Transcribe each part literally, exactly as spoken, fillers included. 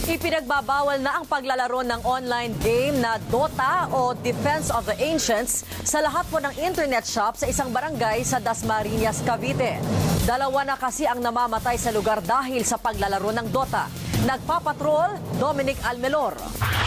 Ipinagbabawal na ang paglalaro ng online game na Dota o Defense of the Ancients sa lahat po ng internet shop sa isang barangay sa Dasmariñas, Cavite. Dalawa na kasi ang namamatay sa lugar dahil sa paglalaro ng Dota. Nagpapatrol, Dominic Almelor.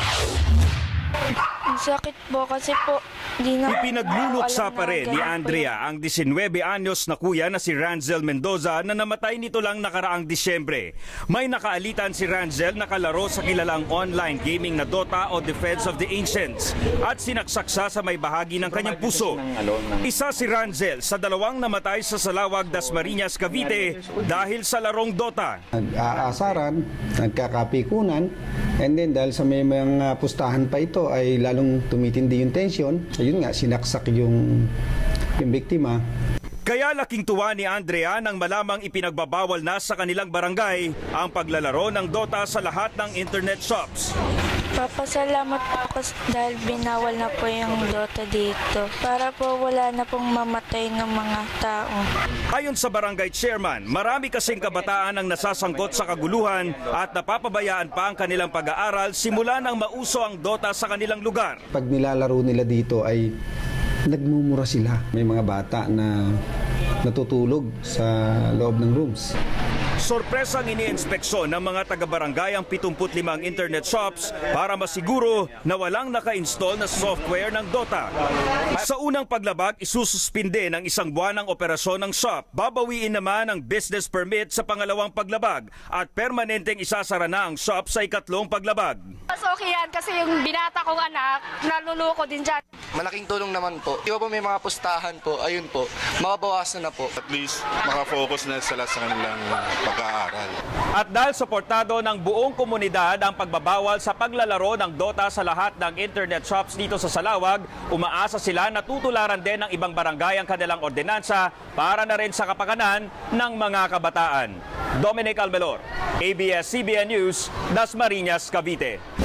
Ang sakit po kasi po di na Ipinagluluksa alam pa na rin ni ganun po Andrea ang nineteen anyos na kuya na si Ranzel Mendoza na namatay nito lang nakaraang Disyembre. May nakaalitan si Ranzel na kalaro sa kilalang online gaming na Dota o Defense of the Ancients at sinaksaksa sa may bahagi ng kanyang puso. Isa si Ranzel sa dalawang namatay sa Salawag, Dasmariñas, Cavite dahil sa larong Dota. Nag-aasaran, nagkakapikunan, and then dahil sa may mga pustahan pa ito ay lalong tumitindi yung tension. Ayun nga, sinaksak yung, yung biktima. Kaya laking tuwa ni Andrea nang malamang ipinagbabawal na sa kanilang barangay ang paglalaro ng Dota sa lahat ng internet shops. Papasalamat po kasi dahil binawal na po yung Dota dito para po wala na pong mamatay ng mga tao. Ayon sa barangay chairman, marami kasing kabataan ang nasasangkot sa kaguluhan at napapabayaan pa ang kanilang pag-aaral simula nang mauso ang Dota sa kanilang lugar. Pag nilalaro nila dito ay nagmumura sila. May mga bata na natutulog sa loob ng rooms. Sorpresang iniinspeksyon ng mga taga-barangay ang pitumpu't limang internet shops para masiguro na walang naka-install na software ng Dota. Sa unang paglabag, isususpinde ng isang buwan ang operasyon ng shop. Babawiin naman ang business permit sa pangalawang paglabag at permanenteng isasara na ang shop sa ikatlong paglabag. Mas okay yan kasi yung binata kong anak, naluluko din dyan. Malaking tulong naman po. Di ba po may mga pustahan po, ayun po, mababawasan na po. At least makafocus na sila sa kanilang pag-aaral. At dahil suportado ng buong komunidad ang pagbabawal sa paglalaro ng Dota sa lahat ng internet shops dito sa Salawag, umaasa sila na tutularan din ng ibang barangay ang kanilang ordinansa para na rin sa kapakanan ng mga kabataan. Dominic Almelor, A B S C B N News, Dasmariñas, Cavite.